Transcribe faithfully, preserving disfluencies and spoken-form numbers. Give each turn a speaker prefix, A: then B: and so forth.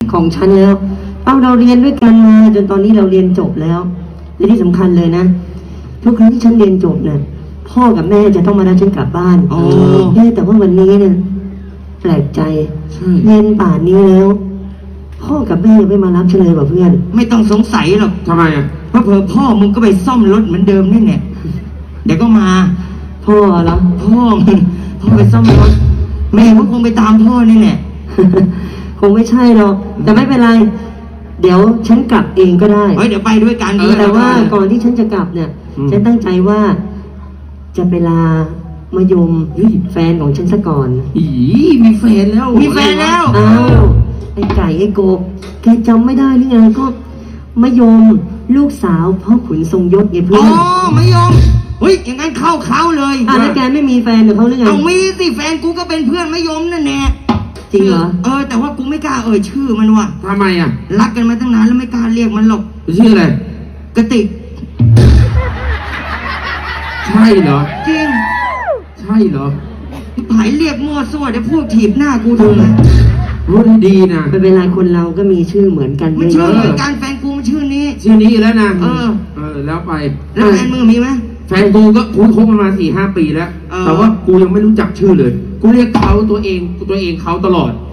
A: ของฉันแล้วเอาเราเรียนด้วยกันมาจนตอนนี้เราเรียนจบแล้วและที่สำคัญเลยนะทุกครั้งที่ฉันเรียนจบเนี่ยพ่อกับแม่จะต้องมารับฉันกลับบ้านเอ๊ะแต่ว่าวันนี้เนี่ยแปลกใจเรียนป่านนี้แล้วพ่อกับแม่ยังไม่มารับฉันเลยว่ะเพื่อน
B: ไม่ต้องสงสัยหรอก
C: ทำไมอ่ะ
B: เพราะเผื่อพ่อมึงก็ไปซ่อมรถเหมือนเดิมนี่แหละเดี๋ยวก็มา
A: พ่อเหรอ
B: พ่อมึงพ่อไปซ่อมรถแม่ก็คงไปตามพ่อนี่แหละ
A: คงไม่ใช่หรอกแต่ไม่เป็นไรเดี๋ยวฉันกลับเองก็ได้
B: เฮ้ยเดี๋ยวไปด้วยกัน
A: แต่ว่าก่อนที่ฉันจะกลับเนี่ยฉันตั้งใจว่าจะไปลามายมแฟนของฉันซะก่อน
C: อีมีแฟนแล้ว
B: มีแฟนแล้ว
A: อ้าวไอ้ไก่ไอ้โกบแกจำไม่ได้หรือไงก็มายมลูกสาวพ่อขุนทรงยศไงเพื่อน
B: อ๋อมายมเฮ้ยอย่างนั้นเข้าเขาเลย
A: อ่ะแล้วแกไม่มีแฟนกับเขาหรือไง
B: เอามีสิแฟนกูก็เป็นเพื่อนมายมนั่นแน่
A: จริงเหรอ
B: เออแต่ว่ากูไม่กล้าเอ่ยชื่อมันว่ะ
C: ทำไมอ่ะ
B: รักกันมาตั้งนานแล้วไม่กล้าเรียกมันหรอก
C: ชื่ออะไร
B: กระติก
C: ใช่เหรอ
B: จริง
C: ใช่เหรอ
B: ผายเรียกมั่วซั่วเดี๋ยวพวกถีบหน้ากูทำไม
C: รู้ดีนะ
A: เป็นเวลาคนเราก็มีชื่อเหมือนกัน
B: ไม่ชื่อเหมือนกันแฟนกูมันชื่อนี้
C: ชื่อนี้แล้วนะ
B: เออ
C: เออแล้วไป
B: แล้วแฟนมึงมีไหม
C: แฟนกูก็คุ้นคบกันมาสี่ห้าปีแล้วแต่ว่ากูยังไม่รู้จักชื่อเลยกูเรียกเขาตัวเองตัวเองเขาตลอด